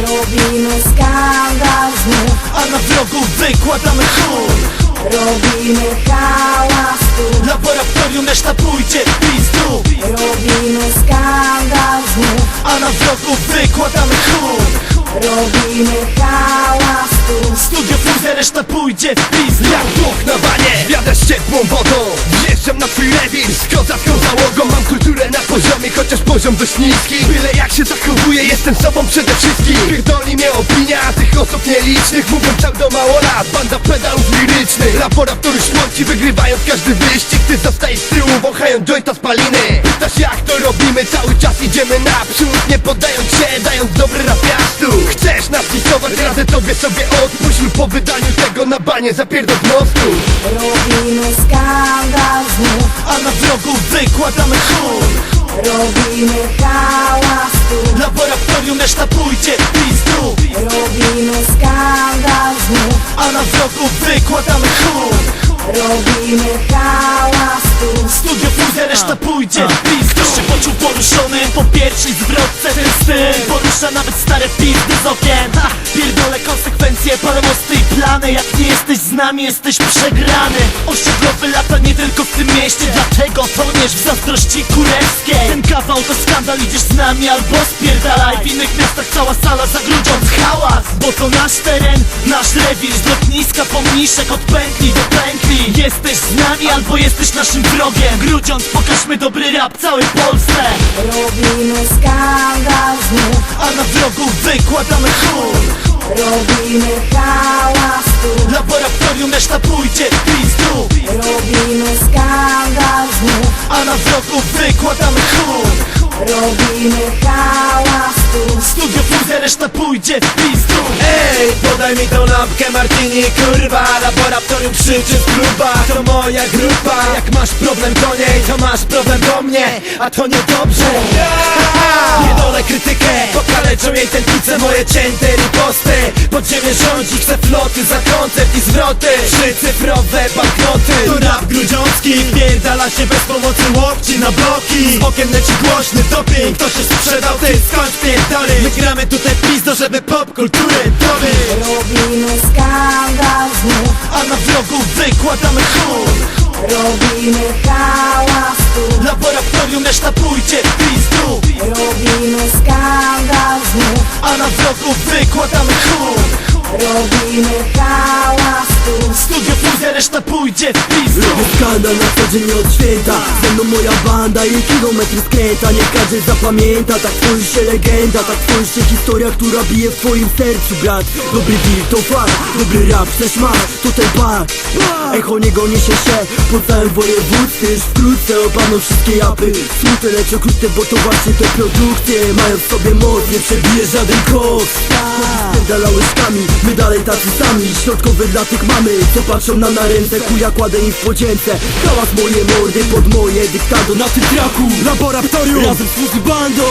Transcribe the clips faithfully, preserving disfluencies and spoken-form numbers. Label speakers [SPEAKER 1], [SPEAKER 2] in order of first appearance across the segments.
[SPEAKER 1] Robimy skandal znów,
[SPEAKER 2] a na wrogów wykładamy chór.
[SPEAKER 1] robimy hałas tu,
[SPEAKER 2] Laboratorium reszta pójdzie w pizdu.
[SPEAKER 1] robimy skandal znów,
[SPEAKER 2] a na wrogów wykładamy chór.
[SPEAKER 1] robimy hałas tu.
[SPEAKER 2] Studio fuzja, reszta pójdzie w pizdu.
[SPEAKER 3] Jak Bóg na wanie, jadę z ciepłą wodą. Wjeżdżam na twój rewir z kozacką załogą. Mam kulturę na poziomie, chociaż poziom dość niski. Byle jak się zachowuję, jestem sobą przede wszystkim. Pierdoli mnie opinia tych osób nielicznych. Mówią tak do mało lat, banda pedałów lirycznych. Laboratorium śmierci wygrywając każdy wyścig. Ty zostajesz z tyłu, wąchając jointa spaliny. Pytasz jak to robimy, cały czas idziemy naprzód. Nie poddając się, dając dobry rapiastu. Chcesz nas kisować, radzę tobie sobie odpuść. Lub po wydaniu tego na banie zapierdol z mostu.
[SPEAKER 1] Robimy skandal znów,
[SPEAKER 2] a na wrogów wykładamy chór.
[SPEAKER 1] robimy hałas tu,
[SPEAKER 2] Laboratorium reszta pójdzie w pizdu.
[SPEAKER 1] robimy skandal znów,
[SPEAKER 2] a na wrogów wykładamy chór.
[SPEAKER 1] robimy hałas tu.
[SPEAKER 2] Studio fuzja, reszta pójdzie w pizdu. Ktoś się poczuł poruszony po pierwszej zwrotce. Ten styl porusza nawet stare pizdy z okien. Ha! Pierdolę konsekwencje, parę mosty i plany. Jak nie jesteś z nami, jesteś przegrany. Osiedlowy lata nie tylko w tym mieście, dlatego toniesz w zazdrości kurewskiej. Ten kawał to skandal, idziesz z nami albo spierdalaj. W innych miastach cała sala zagrudziąc hałas, bo to nasz teren, nasz rewir. Z lotniska pomniszek od pętli do pętli. Jesteś z nami albo jesteś naszym wrogiem. Grudziąc pokażmy dobry rap całej Polsce.
[SPEAKER 1] Robimy skandal znów,
[SPEAKER 2] a na wrogów wykładamy chór.
[SPEAKER 1] robimy hałas tu,
[SPEAKER 2] Laboratorium reszta pójdzie w pizdu.
[SPEAKER 1] robimy skandal znów,
[SPEAKER 2] a na wrogów wykładamy chór.
[SPEAKER 1] robimy hałas tu.
[SPEAKER 2] Studio fuzja, reszta pójdzie w pizdu.
[SPEAKER 3] Ej, podaj mi tą lampkę martini, kurwa. Laboratorium krzyczy w klubach, to moja grupa. Jak masz problem do niej, to masz problem do mnie. A to niedobrze. Nie dole krytykę, pokaleczą jej tętnice moje cięte riposty. Podziemie rządzi, chce floty za koncert i zwroty. Trzycyfrowe banknoty. To rap grudziącki, pierdala się bez pomocy łokci na bloki. Z okien leci głośny doping, kto się sprzedał, ty skąd pierdolę. My gramy tutaj pizdo, żeby popkulturę dobyć.
[SPEAKER 1] Robimy skandal znów,
[SPEAKER 2] a na wrogów wykładamy chór.
[SPEAKER 1] robimy hałas tu,
[SPEAKER 2] Laboratorium reszta pójdzie w pizdu.
[SPEAKER 1] robimy skandal znów,
[SPEAKER 2] a na wrogów wykładamy chór.
[SPEAKER 1] robimy hałas tu.
[SPEAKER 2] Studio fuzja, reszta pójdzie w pizdu.
[SPEAKER 4] Robię skandal na co dzień od święta. Ze mną moja banda i kilometry skręta. Nie każdy zapamięta, tak tworzy się legenda. Tak tworzy się historia, która bije w twoim sercu, brat. Dobry deal to fakt, dobry rap chcesz masz, to ten pak. Echo niego niesie się po całym województwie. Już wkrótce obaną wszystkie japy. Smutne, lecz okrutne, bo to właśnie te produkcje mają w sobie moc, nie przebije żaden koks. Spierdala łyżkami, my dalej tacy sami. Środkowy dla tych mamy, co patrzą nam na ręce. Chuja kładę im w podzięce. Hałas moje mordy pod moje dyktado. Na tym traku Laboratorium razem z Fuzzy bandą.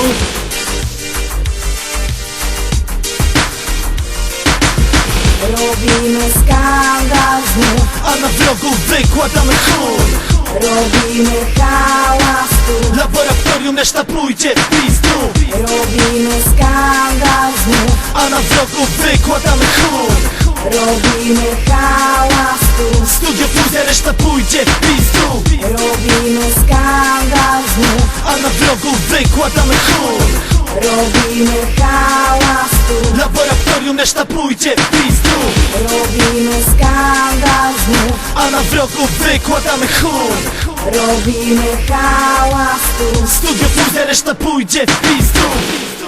[SPEAKER 1] Robimy skandal znów,
[SPEAKER 2] a na wrogów wykładamy chór.
[SPEAKER 1] robimy hałas tu,
[SPEAKER 2] Laboratorium reszta pójdzie w pizdu.
[SPEAKER 1] robimy skandal znów,
[SPEAKER 2] a na wrogów wykładamy chór.
[SPEAKER 1] robimy hałas tu.
[SPEAKER 2] Studio fuzja, reszta pójdzie w pizdu.
[SPEAKER 1] Robimy skandal znów,
[SPEAKER 2] a na wrogów wykładamy chór.
[SPEAKER 1] robimy hałas tu,
[SPEAKER 2] Laboratorium reszta pójdzie w pizdu.
[SPEAKER 1] robimy skandal znów,
[SPEAKER 2] a na wrogów wykładamy chór.
[SPEAKER 1] robimy hałas tu.
[SPEAKER 2] Studio fuzja, reszta pójdzie w pizdu.